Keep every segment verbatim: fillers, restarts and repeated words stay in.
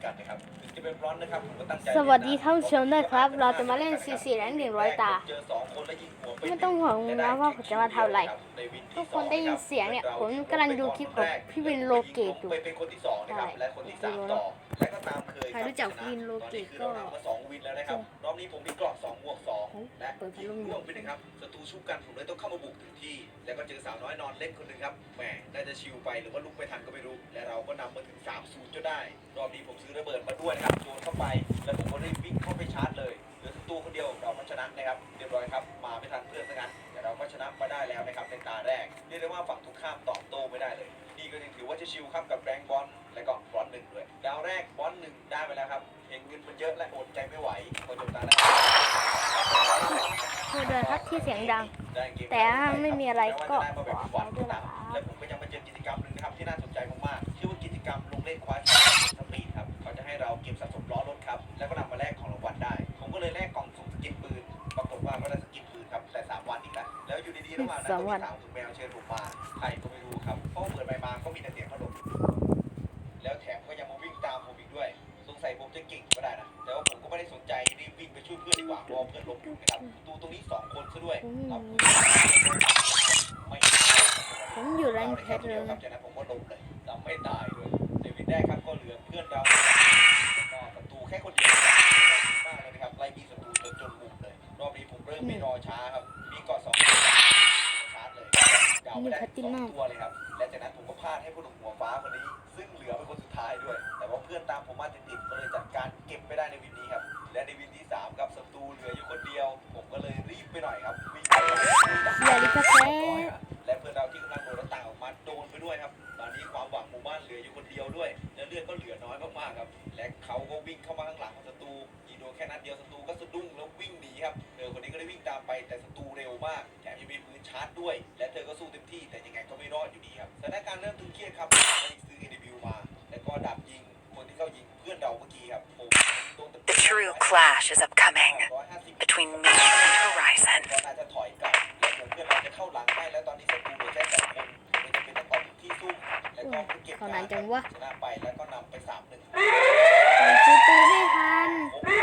กันนะครับถึงจะเป็นร้อนนะครับผมก็ตั้งใจสวัสดีท่านผู้ชมด้วยครับ เราจะมาเล่นซีซีแรงหนึ่งร้อยตาเจอสองคนแล้วยิงหัวปไม่ต้องห่วงนะว่าผมจะมาทำอะไรในวินทุที่กสคองนได้ยินเสียงเนี่ยผมกำลังดูคลิปของพี่วินโลเกตอยู่ไปเป็นคนที่สองนะครับใช่และคนที่สามต่อและก็ตามเคยใครรู้จักวินโลเกตก็ตอนนี้คือเราทำมาสองวินแล้วนะครับรอบนี้ผมมีกรอบสองบวกสองและเปิดพัดลมร่วงไปหนึ่งครับศัตรูชุบกันผมเลยต้องเข้ามาบุกถึงที่ แล้วก็เจอสาวน้อยนอนเล่นคนหนึ่งครับแหมน่าจะชิวไปหรือว่าลุกไม่ทันก็ไม่รู้และเราก็นำมาถึงสามศูนย์จนได้รอบนี้ผมซื้อระเบิดมาด้วยนะครับโยนเข้าไปแล้วผมก็รีบวิ่งเข้าไปชาร์จเลยเหลือศัตรูคนเดียวเราก็ชนะนะครับเรียบร้อยครับมาไม่ทันเพื่อนซะงั้นแต่เราก็ชนะมาได้แล้วนะครับในตาแรกเรียกได้ว่าฝั่งทุกข้ามตอบโต้ไม่ได้เลยนี่ก็ยังถือว่าจะชิวครับกับแรงบอลและก็บอลหนึ่งด้วยดาวแรกบอลหนึ่งได้ไปแล้วครับเห็นเงินมันเยอะและอดใจไม่ไหวพอจบตาแรกโทษด้วยครับที่เสียงดังได้เกแต่ถ้าไม่มีอะไรก็ได้มาขแบบอฝัฝาน กด้วยนะครับและผมก็ยังมาเจอกิจกรรมหนึ่งนะครับที่น่าสนใจมากๆชื่อว่ากิจกรรมลงเล่นคว้าแชมป์สปีดครับเขาจะให้เราเก็บสะสมล้อรถครับแล้วก็นำมาแลกของรางวัลได้ ผมก็เลยแลกกล่องสุ่มสกินปืนปรากฏว่าก็ได้สกินปืนครับแต่สามวันอีกแล้วแล้วอยู่ดีๆระหว่างนั้นก็มีสาวถึงแมวเชิญผมมาใครก็ไม่รู้ครับเพราะว่าเปิดใบมาก็มีแต่เสียงพัดลมแล้วแถมก็ยังมาวิ่งตามผมอีกด้วยสงสัยผมจะเก่งก็ได้นะแต่ว่าผมก็ไม่ได้สนใจรีบวิ่งไปช่วยเพื่อนดีกว่าเพราะเพื่อนล้มอยู่นะครับตูตรงนี้สองคนซะด้วยผมครับไม่ผมอยู่แรงเพชรเลเลย ยครับจากนั้นผมก็ล้มเลยจำไม่ตายด้วยในวินแรกครับก็เหลือเพื่อนเราก็ศัตรูแค่คนเดียวมากเลยนะครับไล่บีศัตรูจนจนมุมเลยรอบนี้ผมเริ่มไม่รอช้าครับมีเกาะสองชาร์จเลยดาวไปได้สองตัวเลยครับและจากนั้นผมก็พลาดให้ผู้หนุ่มหัวฟ้าคนนี้ซึ่งเหลือเป็นคนสุดท้ายด้วยแต่ว่าเพื่อนตามผมมาติดๆก็เลยจัดการเก็บไปได้ในวินนี้ครับและในวินที่สามครับศัตรูเหลืออยู่คนเดียว ผมก็เลยรีบไปหน่อยครับวิ่งไปอย่าลิกาแฟและเพื่อนเราที่กำลังโดดหน้าต่างออกมาโดนไปด้วยครับตอนนี้ความหวังหมู่บ้านเหลืออยู่คนเดียวด้วยและเลือดก็เหลือน้อยมากๆครับและเขาก็วิ่งเข้ามาข้างหลังของศัตรูยิงโดนแค่นัดเดียวศัตรูก็สะดุ้งแล้ววิ่งหนีครับเธอคนนี้ก็ได้วิ่งตามไปแต่ศัตรูเร็วมากแถมยังมีปืนชาร์จด้วยและเธอก็สู้เต็มที่แต่ยังไงก็ไม่รอดอยู่ดีครับสถานการณ์เริ่มตึงเครียดครับเลยซื้อ เอ ดี บิว มาแล้วก็ดับยิงคนที่เข้ายิงเพื่อนเราเมื่อกี้ครับผมโดน The true clash is upcoming between me and Horizon. ก็น่าจะถอยกลับและเดี๋ยวเพื่อนเราจะเข้าหลังให้แล้วตอนนี้ศัตรูเหลือแค่สองคนเลยจะเป็นต้องออกที่ซุ่มแล้วก็เก็บขอนานจังวะชนะไปแล้วก็นำไปสามหนึ่งผมซื้อปืนไม่ทัน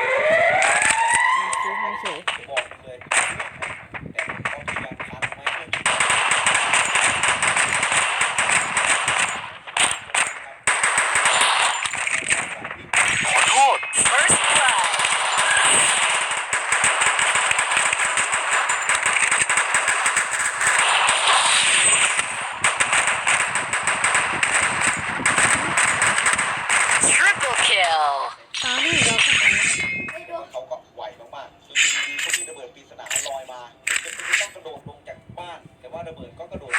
ซื้อทันเฉยบอกเลยแต่ก็พยายามทันไหมเพื่อนขอโทษ First blood. Triple kill. ตอนนี้เราก็ทำเขาก็ไหวมากๆจนดีๆก็มีระเบิดปริศนาลอยมาจะต้องกระโดดลงจากบ้านแต่ว่าระเบิดก็กระโดด